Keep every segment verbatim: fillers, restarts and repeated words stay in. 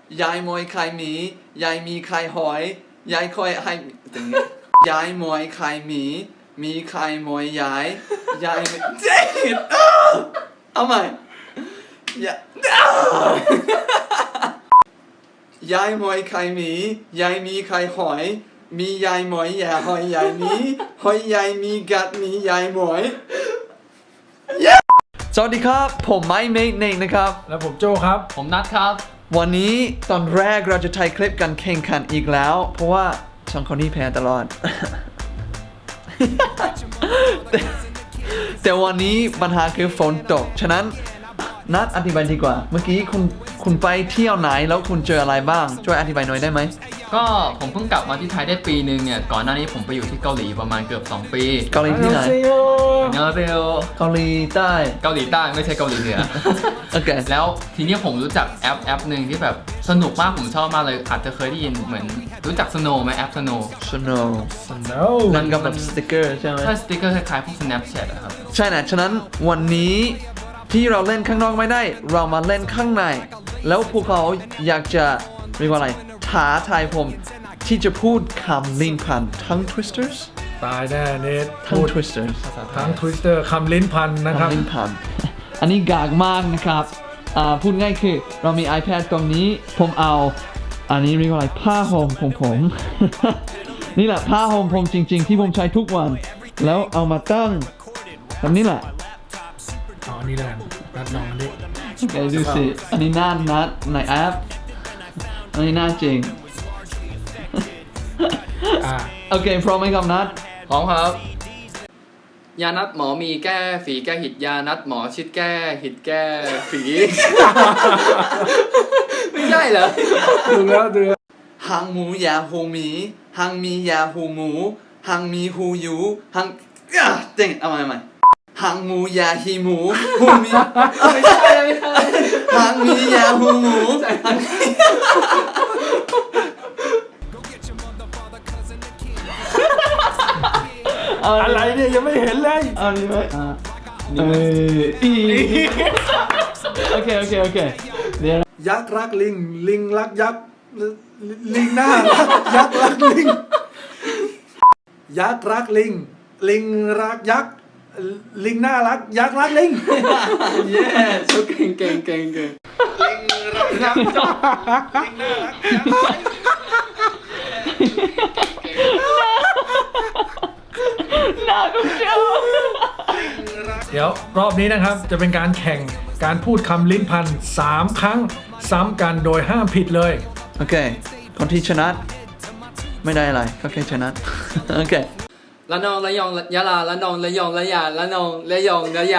ยายมวยไข่หมียายมีไข่หอยยายคอยให้ตรงนี้ยายมวยไข่หมีมีไข่มวยยายยายเจ๊เอาใหม่ยายายมวยไข่หมียายมีไข่หอยมียายหมอยยาหอยยายมีหอยยายมีกัดมียายหมอยสวัสดีครับผมไมค์เมกเน่งนะครับแล้วผมโจครับผมนัทครับวันนี้ตอนแรกเราจะถ่ายคลิปกันแข่งขันอีกแล้วเพราะว่าสองคนนี้แพ้ตลอด แต่แต่วันนี้ปัญหาคือฝนตกฉะนั้นนัดอธิบายดีกว่าเมื่อกี้คุณคุณไปเที่ยวไหนแล้วคุณเจออะไรบ้างช่วยอธิบายหน่อยได้ไหมก็ผมเพิ่งกลับมาที่ไทยได้ปีนึงเนี่ยก่อนหน้านี้ผมไปอยู่ที่เกาหลีประมาณเกือบสองปีเกาหลีที่ไหนเกาหลีเกาหลีใต้เกาหลีใต้ไม่ใช่เกาหลีเหนือโอเคแล้วทีนี้ผมรู้จักแอปแอปหนึ่งที่แบบสนุกมากผมชอบมากเลยอาจจะเคยได้ยินเหมือนรู้จัก Snow ไหมแอป Snow Snow Snow นั่นก็แบบสติ๊กเกอร์ใช่ไหมใช่สติ๊กเกอร์คล้ายๆพวก Snapchat อะครับใช่นะฉะนั้นวันนี้ที่เราเล่นข้างนอกไม่ได้เรามาเล่นข้างในแล้วพวกเขาอยากจะเรียกว่าอะไรท้าทายผมที่จะพูดคำลิ้นพันทั้ง twisters ตายแน่เนททั้ง twisters ทั้ง twister คำลิ้นพันนะครับคำลิ้นพันอันนี้กากมากนะครับพูดง่ายคือเรามี iPad ตรงนี้ผมเอาอันนี้เรียกว่าอะไรผ้าห่มของผม นี่แหละผ้าห่มผมจริงๆที่ผมใช้ทุกวันแล้วเอามาตั้งแบบนี้แหละอ๋อนี่แหละนัดน้องอันนี้โอเคดูสิอันนี้หน้านัดในแอปอันนี้หน้าจริงโอเคพร้อมไหมครับนัดพร้อมครับยานัดหมอมีแก้ฝีแก้หิดยานัดหมอชิดแก้หิดแก้ฝี ไม่ใช่เหรอดูแล้วดูแล้วหางหมูยาหูหมีหางมียาหูหมูหางมีหูยูหางเจ๋งเอาใหม่ใหม่หางหมูยาฮีหมูหูมีไม่ใช่ไม่ใช่หางมียาหูหมูอะไรเนี่ยยังไม่เห็นเลยอันนี้ไหมอ่าเอออีโอเคโอเคโอเคเดี๋ยวยักษ์รักลิงลิงรักยักษ์ลิงหน้ารักยักษ์รักลิงยักษ์รักลิงลิงรักยักษ์ลิงน่ารักยักษ์รักลิงเย้ชุดเก่งเก่งเก่งเก่งลิงรักยักษ์ลิงน่ารักน่าดูเชียวเดี๋ยวรอบนี้นะครับจะเป็นการแข่งการพูดคำลิ้นพันสามครั้งซ้ำกันโดยห้ามผิดเลยโอเคคนที่ชนะไม่ได้อะไรก็แค่ชนะโอเคละนองละยองยะลาละนองละยองละยาละนองละยองละยา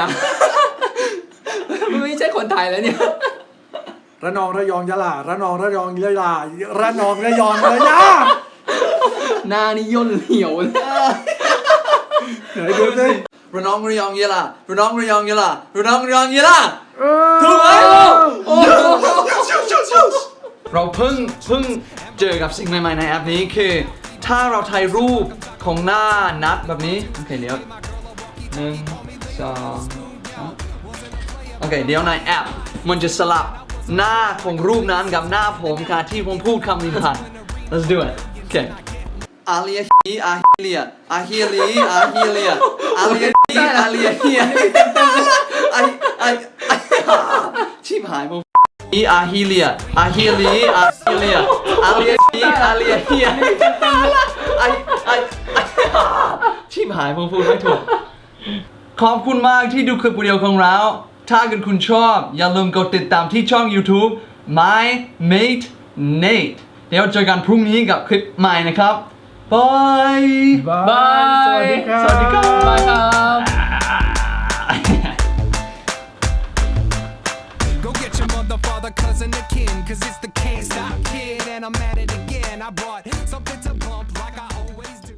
ไม่ใช่คนไทยแล้วเนี่ยระนองระยองยะลาระนองระยองยะลาระนองระยองระยาหน้านี่ย่นเหี่ยวเลยไหนดูสิระนองระยองยะลาระนองระยองยะลาระนองระยองยะลาถูกไหมเราเพิ่งเพิ่งเจอกับสิ่งใหม่ๆในแอปนี้คือถ้าเราถ่ายรูปของหน้านัดแบบนี้โอเคเดี๋ยวหนึ่งสองโอเคเดี๋ยวในแอปมันจะสลับหน้าของรูปนั้นกับหน้าผมค่ะที่ผมพูดคำลิ้นพัน let's do it โอเคอาเลียฮีอาเฮียอาเฮียลีอาเฮียเลียอาเลียฮีอาเลียเฮียไอไอชิบหายมึงอีอาเฮีเลียอาเฮียลีอาเฮียเลียอาเลียฮีอาเลียเฮียไอไอชิบหายมึงพูดไม่ถูกขอบคุณมากที่ดูคลิปวิดีโอของเราถ้าเกิดคุณชอบอย่าลืมกดติดตามที่ช่อง YouTube My Mate Nate เดี๋ยวเจอกันพรุ่งนี้กับคลิปใหม่นะครับบายบายสวัสดีครับสวัสดีครับบายครับ Go get your mother, father, cousin, or kin, 'cause it's the can't stop kid, and I'm at it again. I brought something to bump like I always do.